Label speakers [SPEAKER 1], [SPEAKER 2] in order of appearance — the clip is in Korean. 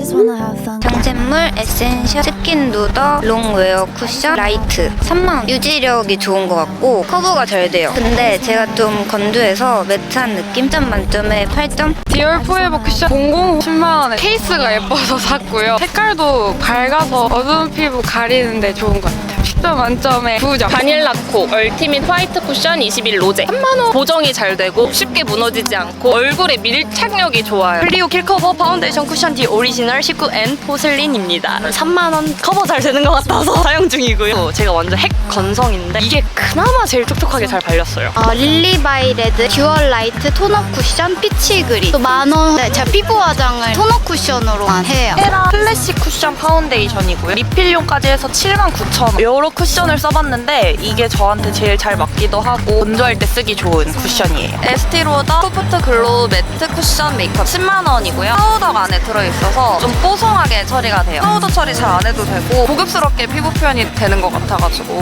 [SPEAKER 1] 정샘물 에센셜 스킨 누더 롱웨어 쿠션 라이트 30,000원. 유지력이 좋은 것 같고 커버가 잘 돼요. 근데 제가 좀 건조해서 매트한 느낌? 10점 만점에 8점?
[SPEAKER 2] 디올 포에버 쿠션 00 10만원에 케이스가 예뻐서 샀고요. 색깔도 밝아서 어두운 피부 가리는데 좋은 것 같아요. 10점 만점에 9점.
[SPEAKER 3] 바닐라코 얼티밋 화이트 쿠션 21 로제 3만원. 보정이 잘 되고 쉽게 무너지지 않고 얼굴에 밀착력이 좋아요.
[SPEAKER 4] 클리오 킬커버 파운데이션 쿠션 디 오리지널 19N 포슬린입니다. 3만원 커버 잘 되는 것 같아서 사용 중이고요. 제가 완전 핵 건성인데 이게 그나마 제일 촉촉하게 잘 발렸어요.
[SPEAKER 5] 릴리바이레드 듀얼 라이트 토너 쿠션 피치 그린 또 10,000원. 네, 제가 피부 화장을 토너 쿠션으로만 해요.
[SPEAKER 6] 헤라 클래식 쿠션 파운데이션이고요. 리필용까지 해서 79,000원. 여러 쿠션을 써봤는데 이게 저한테 제일 잘 맞기도 하고 건조할 때 쓰기 좋은 쿠션이에요. 에스티로더 소프트 글로우 매트 쿠션 메이크업 10만원이고요. 파우더가 안에 들어있어서 좀 뽀송하게 처리가 돼요. 파우더 처리 잘 안 해도 되고 고급스럽게 피부 표현이 되는 것 같아가지고